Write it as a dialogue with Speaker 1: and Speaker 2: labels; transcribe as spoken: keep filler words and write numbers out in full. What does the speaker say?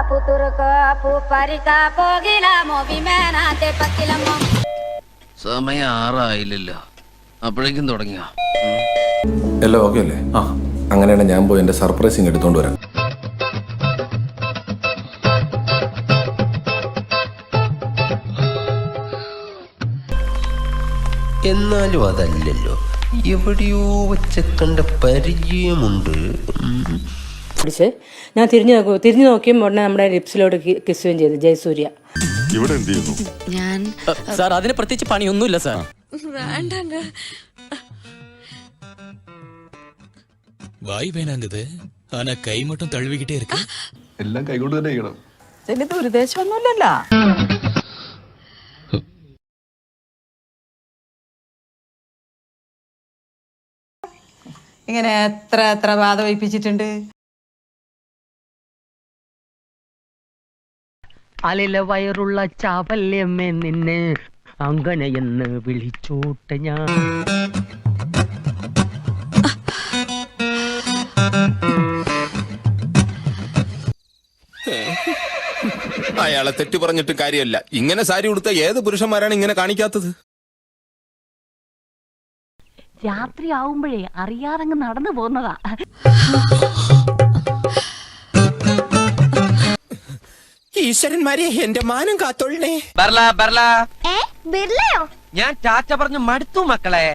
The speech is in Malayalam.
Speaker 1: സമയം ആറായില്ലല്ലോ, അപ്പോഴേക്കും തുടങ്ങിയ
Speaker 2: എല്ലാം ഓക്കെ അല്ലേ? ആ, അങ്ങനെയാണ് ഞാൻ പോയി എന്റെ സർപ്രൈസിങ് എടുത്തോണ്ട് വരാം.
Speaker 3: എന്നാലും അതല്ലല്ലോ, എവിടെയോ വെച്ച കണ്ട പരിചയമുണ്ട്.
Speaker 4: ഞാൻ തിരിഞ്ഞു നോക്കൂ തിരിഞ്ഞു നോക്കിയും ഉടനെ നമ്മുടെ ലിപ്സിലോട്ട് കിസ്സുകയും ചെയ്തു ജയസൂര്യ.
Speaker 5: ഇവിടെ എന്ത് ചെയ്യുന്നു?
Speaker 6: ഞാൻ
Speaker 7: സാർ അതിന് പ്രത്യേകിച്ച് പണിയൊന്നുമില്ല സാർ.
Speaker 6: വേണ്ടങ്ങ്
Speaker 8: വായി വേനാങ്കത് ആന കൈ മട്ടും തഴുവിക്കിട്ടേ ഇരിക്കും.
Speaker 5: എല്ലാം കൈകൊണ്ട് തന്നെ ചെയ്യണം.
Speaker 4: ഇതിന് ദുരുദ്ദേശമൊന്നുമില്ലല്ലോ. ഇങ്ങനെ എത്ര എത്ര ബാധ വയ്പ്പിച്ചിട്ടുണ്ട്.
Speaker 7: അലില വയറുള്ള ചാവല്യമ്മേ നിന്നെ അങ്ങനെയെന്ന് വിളിച്ചോട്ടെ ഞാൻ.
Speaker 9: അയാളെ തെറ്റു പറഞ്ഞിട്ട് കാര്യമല്ല. ഇങ്ങനെ സാരി ഉടുത്ത ഏത് പുരുഷന്മാരാണ് ഇങ്ങനെ കാണിക്കാത്തത്?
Speaker 10: രാത്രി ആവുമ്പോഴേ അറിയാതങ്ങ് നടന്നു പോകുന്നതാ.
Speaker 9: ഈശ്വരന്മാരെ, എന്റെ മാനം കാത്തോളണേ.
Speaker 1: ഞാൻ ടാറ്റ പറഞ്ഞു മടുത്തു മക്കളെ.